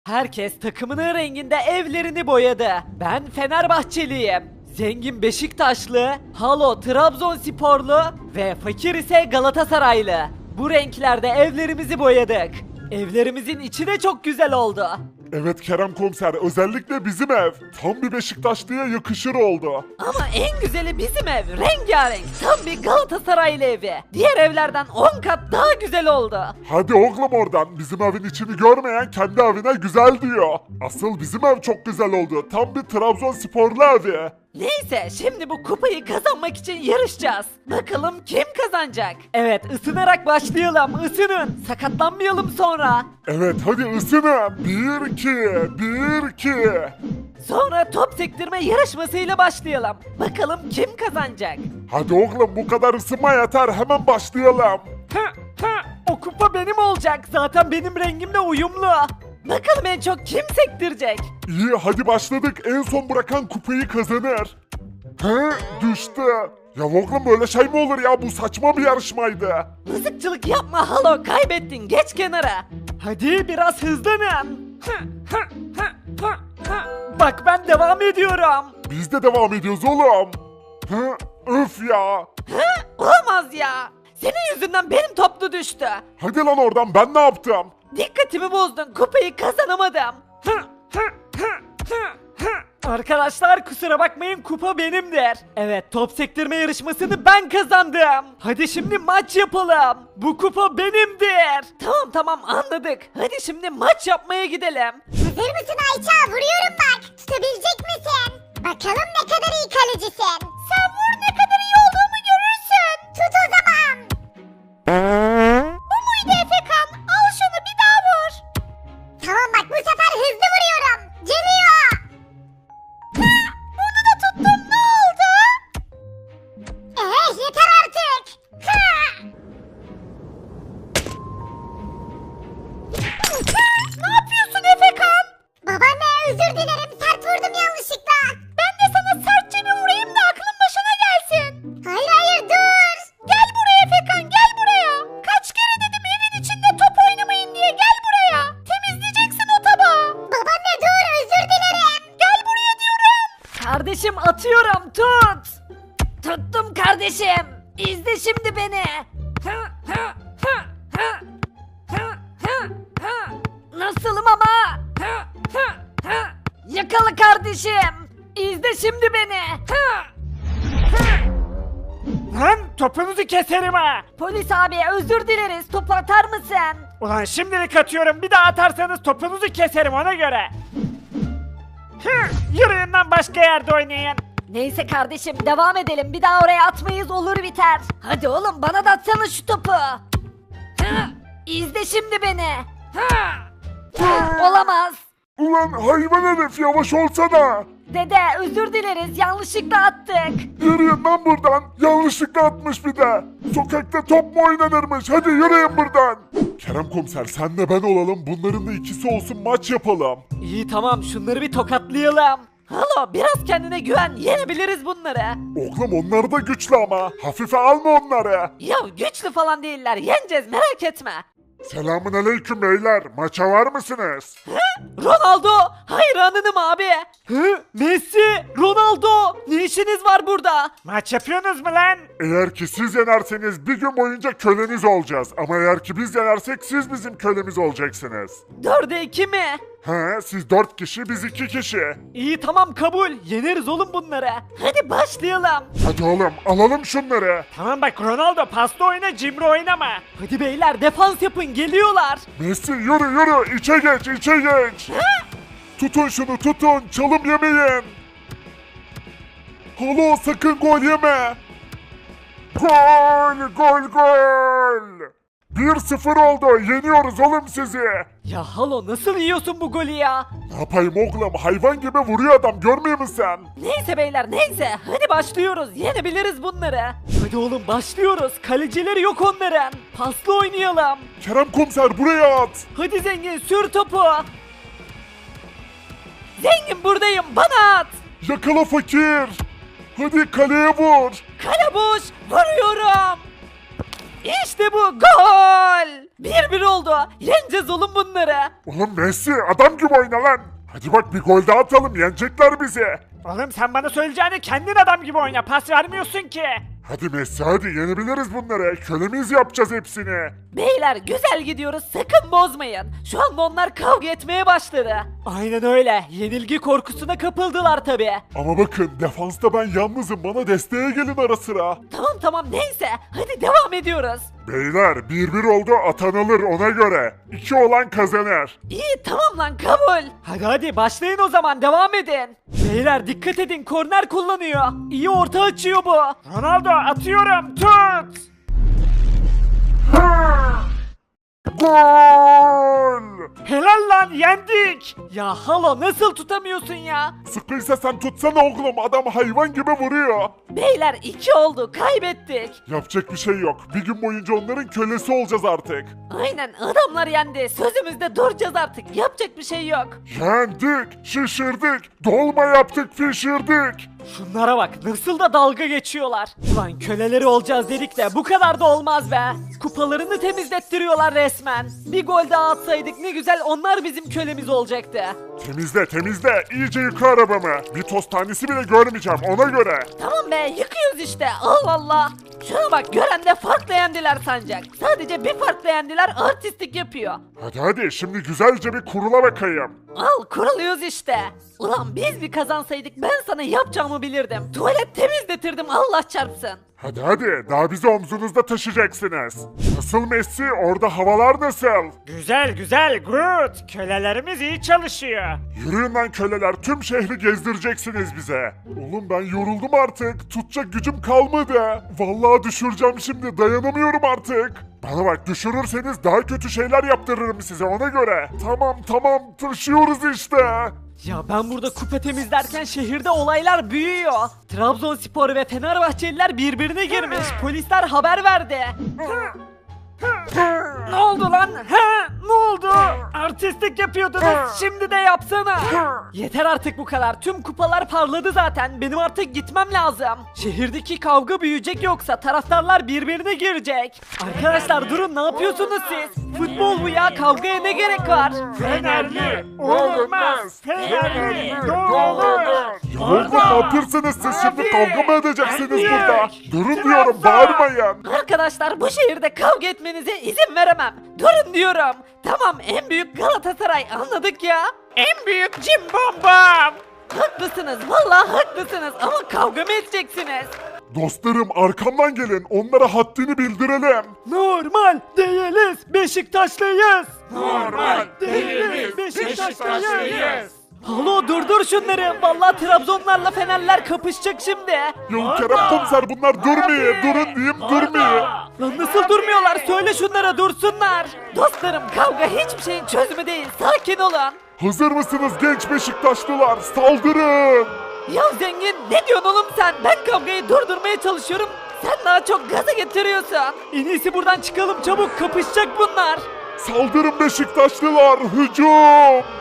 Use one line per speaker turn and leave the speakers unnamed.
Herkes takımının renginde evlerini boyadı. Ben Fenerbahçeliyim. Zengin Beşiktaşlı, Halo Trabzonsporlu ve fakir ise Galatasaraylı. Bu renklerde evlerimizi boyadık. Evlerimizin içi de çok güzel oldu.
Evet Kerem Komiser, özellikle bizim ev. Tam bir Beşiktaşlı'ya yakışır oldu.
Ama en güzeli bizim ev. Rengarenk. Tam bir Galatasaraylı evi. Diğer evlerden 10 kat daha güzel oldu.
Hadi oğlum oradan, bizim evin içini görmeyen kendi evine güzel diyor. Asıl bizim ev çok güzel oldu. Tam bir Trabzonsporlu evi.
Neyse şimdi bu kupayı kazanmak için yarışacağız. Bakalım kim kazanacak? Evet ısınarak başlayalım. Isının. Sakatlanmayalım sonra.
Evet hadi ısının. 1-2, 1-2.
Sonra top sektirme yarışmasıyla başlayalım. Bakalım kim kazanacak?
Hadi oğlum bu kadar ısınma yeter, hemen başlayalım.
O kupa benim olacak. Zaten benim rengimle uyumlu. Bakalım en çok kim sektirecek?
İyi hadi başladık, en son bırakan kupayı kazanır. He, düştü. Ya oğlum böyle şey mi olur ya, bu saçma bir yarışmaydı.
Mızıkçılık yapma Halo, kaybettin, geç kenara. Hadi biraz hızlanın. Bak ben devam ediyorum.
Biz de devam ediyoruz oğlum. He, öf ya.
Olamaz ya. Senin yüzünden benim toplu düştü.
Hadi lan oradan, ben ne yaptım?
Dikkatimi bozdun, kupayı kazanamadım. Arkadaşlar kusura bakmayın, kupa benimdir. Evet, top sektirme yarışmasını ben kazandım. Hadi şimdi maç yapalım. Bu kupa benimdir. Tamam anladık. Hadi şimdi maç yapmaya gidelim.
Hazır mısın Ayça? Vuruyorum bak. Tutabilecek misin? Bakalım ne kadar iyi kalecisin. Sen vur, ne kadar iyi olduğumu görürsün. Tut o zaman. Bu muydu Efekan? Al şunu, bir daha vur. Tamam bak, bu sefer hızlı vuruyorum. Geliyor. Bunu da tuttum, ne oldu? Yeter artık. Ne yapıyorsun Efekan? Babaanne özür dilerim, sert vurdum yanlışlıkla. Ben de sana sertçe bir vurayım da aklın başına gelsin. Hayır dur. Gel buraya Efekan, gel buraya. Kaç kere dedim evin içinde top oynamayın diye, gel buraya. Temizleyeceksin o tabağı. Babaanne dur, özür dilerim. Gel buraya diyorum.
Kardeşim atıyorum, tut. Tuttum kardeşim. İzle şimdi beni. Nasılım ama? Yakala kardeşim. İzle şimdi beni.
Lan topunuzu keserim ha.
Polis abi özür dileriz. Topu atar mısın?
Ulan şimdilik atıyorum, bir daha atarsanız topunuzu keserim ona göre. Yürüyün lan, başka yerde oynayın.
Neyse kardeşim devam edelim. Bir daha oraya atmayız, olur biter. Hadi oğlum bana da atsana şu topu. İzle şimdi beni. Olamaz.
Ulan hayvan herif, yavaş olsana.
Dede özür dileriz, yanlışlıkla attık.
Yürüyün lan buradan. Yanlışlıkla atmış bir de. Sokakta top mu oynanırmış? Hadi yürüyün buradan. Kerem Komiser, sen de ben olalım. Bunların da ikisi olsun, maç yapalım.
İyi tamam, şunları bir tokatlayalım. Halo biraz kendine güven, yenebiliriz bunları.
Oğlum onlar da güçlü ama. Hafife alma onları.
Ya güçlü falan değiller, yeneceğiz merak etme.
Selamun aleyküm beyler. Maça var mısınız?
Ronaldo hayranınım abi. Messi, Ronaldo, ne işiniz var burada?
Maç yapıyorsunuz mu lan?
Eğer ki siz yenerseniz bir gün boyunca köleniz olacağız. Ama eğer ki biz yenersek siz bizim kölemiz olacaksınız.
4'e 2 mi?
He, siz 4 kişi, biz 2 kişi.
İyi tamam kabul, yeneriz oğlum bunları. Hadi başlayalım.
Hadi oğlum alalım şunları.
Tamam bak Ronaldo, paslı oyna, cimri oynama.
Hadi beyler defans yapın, geliyorlar.
Messi yürü içe geç. Tutun şunu, tutun, çalım yemeyin. Halo sakın gol yeme. Gol. 1-0 oldu, yeniyoruz oğlum sizi.
Ya Halo nasıl yiyorsun bu golü ya?
Ne yapayım oğlum, hayvan gibi vuruyor adam, görmüyor musun sen?
Neyse beyler neyse, hadi başlıyoruz, yenebiliriz bunları. Hadi oğlum başlıyoruz, kalecileri yok onların. Paslı oynayalım.
Kerem Komiser buraya at.
Hadi zengin sür topu. Zengin buradayım, bana at.
Yakala fakir. Hadi kaleye vur.
Kale boş, vuruyorum. İşte bu gol. 1-1 oldu. Yeneceğiz oğlum bunları.
Oğlum Messi adam gibi oyna lan. Hadi bak bir gol daha atalım yenecekler bizi.
Oğlum sen bana söyleyeceğini kendin adam gibi oyna. Pas vermiyorsun ki.
Hadi Messi hadi yenebiliriz bunları. Kölemiz yapacağız hepsini.
Beyler güzel gidiyoruz, sakın bozmayın. Şu anda onlar kavga etmeye başladı. Aynen öyle. Yenilgi korkusuna kapıldılar tabi.
Ama bakın defansta ben yalnızım bana desteğe gelin ara sıra.
Tamam neyse. Hadi devam ediyoruz.
Beyler 1-1 oldu atan alır ona göre. 2 olan kazanır.
İyi tamam lan kabul. Hadi başlayın o zaman devam edin. Beyler dikkat edin korner kullanıyor. İyi orta açıyor bu.
Ronaldo atıyorum. Tut.
Gol!
Helal lan yendik.
Ya halo nasıl tutamıyorsun ya?
Sıkıysa sen tutsana oğlum adam hayvan gibi vuruyor.
Beyler 2 oldu kaybettik.
Yapacak bir şey yok. Bir gün boyunca onların kölesi olacağız artık.
Aynen adamlar yendi. Sözümüzde duracağız artık. Yapacak bir şey yok.
Yendik, şişirdik, dolma yaptık, pişirdik.
Şunlara bak nasıl da dalga geçiyorlar. Ulan köleleri olacağız dedik de bu kadar da olmaz be. Kupalarını temizlettiriyorlar resmen. Bir gol daha atsaydık ne güzel onlar bizim kölemiz olacaktı.
Temizle, temizle. İyice yıka arabamı. Bir toz tanesi bile görmeyeceğim ona göre.
Tamam be yıkıyoruz işte Allah Allah. Şuna bak gören de farklı yendiler sancak. Sadece bir farklı yendiler artistik yapıyor.
Hadi hadi şimdi güzelce bir kurula bakayım.
Al kuruluyoruz işte. Ulan biz bir kazansaydık ben sana yapacağımı bilirdim. Tuvalet temizletirdim Allah çarpsın.
Hadi hadi daha bizi omzunuzda taşıyacaksınız. Nasıl Messi orada havalar nasıl?
Güzel good. Kölelerimiz iyi çalışıyor.
Yürüyün lan köleler tüm şehri gezdireceksiniz bize. Oğlum ben yoruldum artık. Tutacak gücüm kalmadı. Vallahi düşüreceğim şimdi dayanamıyorum artık. Bana bak düşürürseniz daha kötü şeyler yaptırırım size ona göre. Tamam taşıyoruz işte.
Ya ben burada kupa temizlerken şehirde olaylar büyüyor. Trabzonspor ve Fenerbahçeliler birbirine girmiş. Polisler haber verdi. Ne oldu lan? Ne oldu? Artistlik yapıyordunuz. Şimdi de yapsana. Yeter artık bu kadar. Tüm kupalar parladı zaten. Benim artık gitmem lazım. Şehirdeki kavga büyüyecek yoksa taraftarlar birbirine girecek. Arkadaşlar durun ne yapıyorsunuz siz? Futbol bu ya. Kavgaya ne gerek var?
Fenerli olmaz. Fenerli doğru.
Ya oğlum ne yapıyorsunuz siz şimdi kavga mı edeceksiniz
Hadi.
burada? Durun
Trabzon.
diyorum bağırmayın.
Arkadaşlar bu şehirde kavga etmenize izin veremem. Durun diyorum. Tamam en büyük Galatasaray anladık ya.
En büyük cimbombom.
Haklısınız vallahi haklısınız ama kavga mı edeceksiniz?
Dostlarım arkamdan gelin onlara haddini bildirelim.
Normal değiliz Beşiktaşlıyız.
Normal değiliz, Beşiktaşlıyız.
Halo durdur şunları. Vallahi Trabzonlarla Fenerler kapışacak şimdi.
Ya Kerem komiser bunlar durmuyor. Durun diyeyim durmuyor.
Lan nasıl durmuyorlar? Söyle şunlara dursunlar. Dostlarım kavga hiçbir şeyin çözümü değil. Sakin olun.
Hazır mısınız genç Beşiktaşlılar? Saldırın.
Ya zengin ne diyorsun oğlum sen? Ben kavgayı durdurmaya çalışıyorum. Sen daha çok gaza getiriyorsun. En iyisi buradan çıkalım çabuk kapışacak bunlar.
Saldırın Beşiktaşlılar. Hücum.